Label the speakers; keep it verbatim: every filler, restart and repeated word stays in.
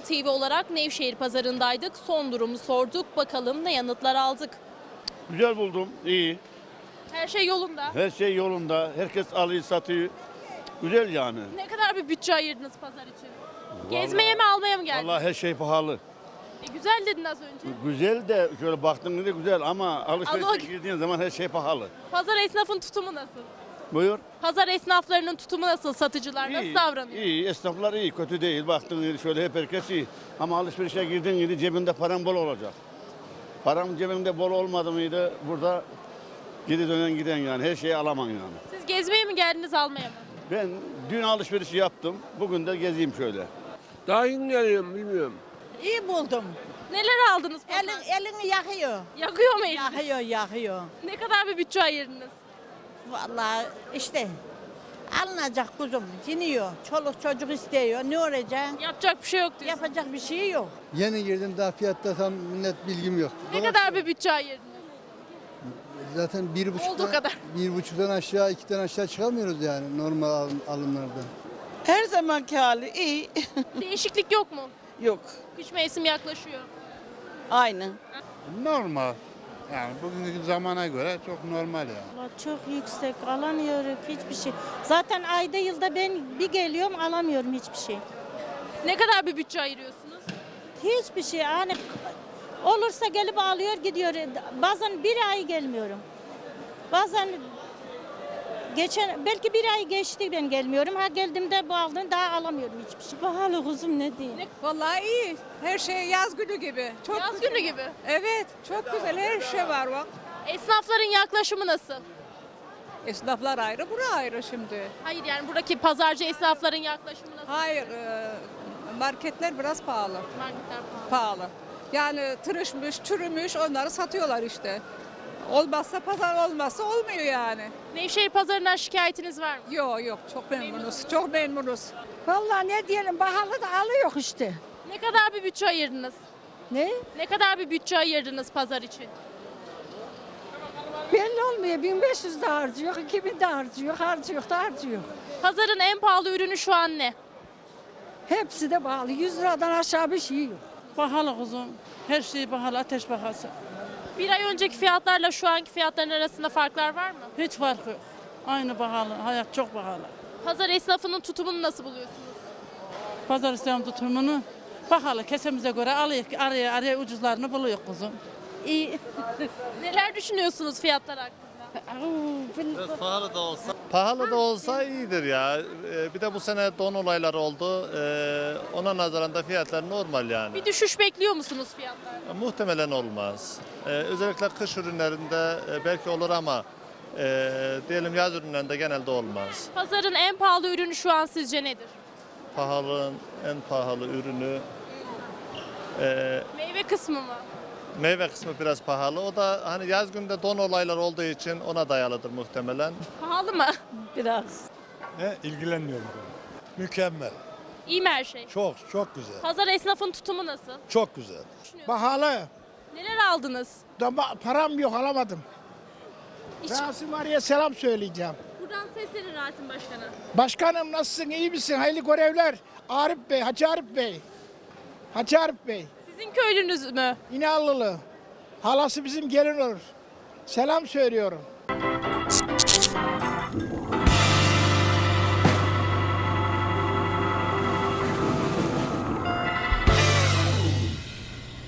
Speaker 1: T V olarak Nevşehir pazarındaydık. Son durumu sorduk. Bakalım ne yanıtlar aldık.
Speaker 2: Güzel buldum, iyi.
Speaker 1: Her şey yolunda.
Speaker 2: Her şey yolunda, herkes alıyor, satıyor. Güzel yani.
Speaker 1: Ne kadar bir bütçe ayırdınız pazar için? Gezmeye mi almaya mı geldiniz?
Speaker 2: Vallahi her şey pahalı.
Speaker 1: E, güzel dedin az önce.
Speaker 2: Güzel de şöyle baktığında güzel ama alışverişe
Speaker 1: Allah-
Speaker 2: girdiğin zaman her şey pahalı.
Speaker 1: Pazar esnafın tutumu nasıl?
Speaker 2: Buyur.
Speaker 1: Pazar esnaflarının tutumu nasıl? Satıcılar nasıl
Speaker 2: İyi,
Speaker 1: davranıyor?
Speaker 2: iyi, esnaflar iyi, kötü değil. Baktığın gibi şöyle hep herkes iyi. Ama alışverişe girdiğin gibi cebinde paran bol olacak. Param cebinde bol olmadı mıydı burada geri dönen giden yani her şeyi alamam yani.
Speaker 1: Siz gezmeye mi geldiniz almaya mı?
Speaker 2: Ben dün alışverişi yaptım. Bugün de gezeyim şöyle.
Speaker 3: Daha yeni geliyorum bilmiyorum.
Speaker 4: İyi buldum.
Speaker 1: Neler aldınız pazar?
Speaker 4: Elin, elini yakıyor.
Speaker 1: Yakıyor mu elini?
Speaker 4: Yakıyor, yakıyor.
Speaker 1: Ne kadar bir bütçe ayırdınız?
Speaker 4: Vallahi işte alınacak kuzum. Yeniyor. Çoluk çocuk istiyor. Ne olacak?
Speaker 1: Yapacak bir şey yok diyorsun.
Speaker 4: Yapacak bir şey yok.
Speaker 5: Yeni girdim daha fiyatta tam net bilgim yok.
Speaker 1: Ne kadar bir bütçe ayırdınız?
Speaker 5: Zaten bir
Speaker 1: Olduğu
Speaker 5: buçuktan,
Speaker 1: kadar.
Speaker 5: bir buçuktan aşağı ikiden aşağı çıkamıyoruz yani normal alım, alımlardan.
Speaker 6: Her zamanki hali iyi.
Speaker 1: Değişiklik yok mu?
Speaker 6: Yok.
Speaker 1: Kış mevsim yaklaşıyor.
Speaker 6: Aynı.
Speaker 7: Normal. Yani bugünkü zamana göre çok normal yani.
Speaker 8: Vallahi çok yüksek, alamıyorum hiçbir şey. Zaten ayda yılda ben bir geliyorum alamıyorum hiçbir şey.
Speaker 1: Ne kadar bir bütçe ayırıyorsunuz?
Speaker 8: Hiçbir şey hani olursa gelip alıyor gidiyor. Bazen bir ay gelmiyorum. Bazen geçen belki bir ay geçti ben gelmiyorum. Ha geldiğimde bu aldığını daha alamıyorum hiçbir şey. Pahalı kuzum ne diyeyim.
Speaker 9: Vallahi iyi. Her şey yaz günü gibi. Çok
Speaker 1: Yaz
Speaker 9: güzel.
Speaker 1: günü gibi.
Speaker 9: Evet, çok güzel. Her şey var bak.
Speaker 1: Esnafların yaklaşımı nasıl?
Speaker 9: Esnaflar ayrı, bura ayrı şimdi.
Speaker 1: Hayır yani buradaki pazarcı esnafların yaklaşımı nasıl?
Speaker 9: Hayır, e, marketler biraz pahalı.
Speaker 1: Marketler pahalı.
Speaker 9: Pahalı. Yani tırışmış, çürümüş onları satıyorlar işte. Olmazsa pazar olmazsa olmuyor yani.
Speaker 1: Nevşehir pazarından şikayetiniz var mı?
Speaker 9: Yok yok, çok memnunuz. Çok memnunuz.
Speaker 4: Vallahi ne diyelim pahalı da alıyor işte.
Speaker 1: Ne kadar bir bütçe ayırdınız?
Speaker 4: Ne?
Speaker 1: Ne kadar bir bütçe ayırdınız pazar için?
Speaker 4: Belli olmuyor. bin beş yüz de harcıyor, iki bin de harcıyor, harcıyor da harcıyor.
Speaker 1: Pazarın en pahalı ürünü şu an ne?
Speaker 4: Hepsi de pahalı. yüz liradan aşağı bir şey yok.
Speaker 6: Pahalı kuzum. Her şey pahalı, ateş pahası.
Speaker 1: Bir ay önceki fiyatlarla şu anki fiyatların arasında farklar var mı?
Speaker 6: Hiç farkı yok. Aynı pahalı, hayat çok pahalı.
Speaker 1: Pazar esnafının tutumunu nasıl buluyorsunuz?
Speaker 6: Pazar İslam tutumunu pahalı, kesemize göre alıyor, araya araya ucuzlarını buluyor kuzum.
Speaker 1: İyi. Neler düşünüyorsunuz fiyatlar hakkında?
Speaker 10: Pahalı da olsa iyidir ya. Ee, Bir de bu sene don olayları oldu. Ee, Ona nazaran da fiyatlar normal yani.
Speaker 1: Bir düşüş bekliyor musunuz fiyatlarda?
Speaker 10: Muhtemelen olmaz. Ee, Özellikle kış ürünlerinde e, belki olur ama e, diyelim yaz ürünlerinde genelde olmaz.
Speaker 1: Pazarın en pahalı ürünü şu an sizce nedir?
Speaker 10: Pahalının en pahalı ürünü e,
Speaker 1: Meyve kısmı mı?
Speaker 10: meyve kısmı biraz pahalı. O da hani yaz günde don olayları olduğu için ona dayalıdır muhtemelen.
Speaker 1: Pahalı mı?
Speaker 4: Biraz.
Speaker 7: He, ilgilenmiyorum. Mükemmel.
Speaker 1: İyi mi her şey?
Speaker 7: Çok çok güzel.
Speaker 1: Pazar esnafın tutumu nasıl?
Speaker 7: Çok güzel.
Speaker 11: Pahalı.
Speaker 1: Neler aldınız?
Speaker 11: Dama, param yok alamadım.
Speaker 1: Hiç...
Speaker 11: Rasim Arı'ya selam söyleyeceğim.
Speaker 1: Buradan seslenin Rasim Başkan'a.
Speaker 11: Başkanım nasılsın, iyi misin? Hayırlı görevler. Arif Bey, Hacı Arif Bey. Hacı Arif Bey.
Speaker 1: Sizin köylünüz mü?
Speaker 11: İnallılı. Halası bizim gelin olur. Selam söylüyorum.